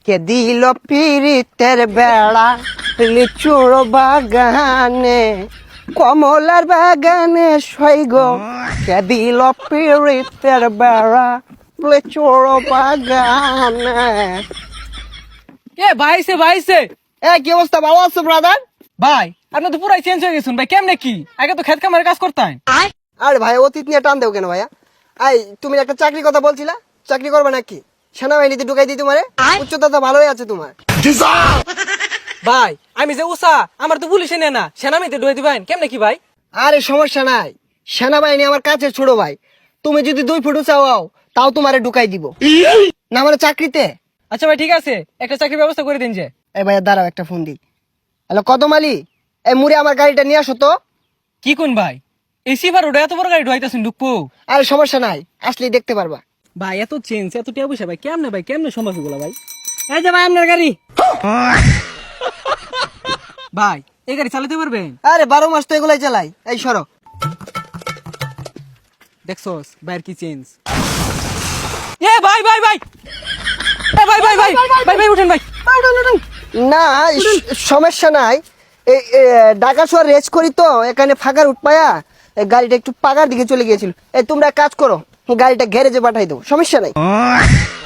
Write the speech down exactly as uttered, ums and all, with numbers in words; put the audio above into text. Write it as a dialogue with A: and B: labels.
A: কে দিল পিরিতের বেড়া লিচুর বাগানে কমলার বাগানে সৈগ কে দিল পিরিতের বেড়া লিচুর বাগানে।
B: এ ভাইছে ভাইছে
A: এ কি অবস্থা, ভালো আছো ব্রাদার?
B: ভাই আপনি তো পুরাই চেঞ্জ হয়ে গেছেন ভাই, কেমনে কি? আগে তো খেত কামারে কাজ করতেন।
A: আরে ভাই অতীত নিয়ে টান দেও কেন ভাইয়া? আই তুমি একটা চাকরির কথা বলছিলা, চাকরি করবে নাকি? সেনাবাহিনীতে ঢুকাই দিই তোমারে, উচ্চতা তো ভালোই আছে তোমার।
B: ভাই আমি যে উষা, আমার তো পুলিশে নেয় না, সেনামিতে ঢুয়ে দিবেন কেমনে কি ভাই?
A: আরে সমস্যা নাই, সেনাবাহিনী আমার কাছে ছোট ভাই। তুমি যদি দুই ফুট চাও তাও তোমারে ঢুকাই দিব না মানে চাকরিতে।
B: আচ্ছা ভাই ঠিক আছে, একটা চাকরির ব্যবস্থা করে দিন যে।
A: এই ভাইয়া দাঁড়াও, একটা ফোন দিই। হ্যালো কদম আলী, এই মুড়ে আমার গাড়িটা নিয়ে আসো তো।
B: কি কোন ভাই, এই সিভার ওটা এত বড় গাড়ি ঢুয়াইতেছেন ঢুকবো?
A: আরে সমস্যা নাই, আসলেই দেখতে পারবা।
B: ভাই এত চেঞ্জ এত টিয়া পয়সা ভাই, কেমনে ভাই কেমনে সম্ভব এগুলো ভাই? এই যে ভাই আপনার গাড়ি। ভাই এই গাড়ি চালাতে পারবেন?
A: আরে বারো মাস তো এগুলাই চালাই। এই সরো।
B: দেখছস ভাইয়ের কি চেঞ্জ। এ ভাই ভাই ভাই এ ভাই ভাই ভাই ভাই ভাই উঠেন ভাই।
A: না স- সমস্যা নাই। এই এ, ঢাকা শহর রেস করি তো, এখানে ফাঁকার উঠপায়া এই গাড়িটা একটু পাকার দিকে চলে গিয়েছিল। এই তোমরা এক কাজ করো, গাড়িটা গ্যারেজে পাঠাই দাও, সমস্যা নাই।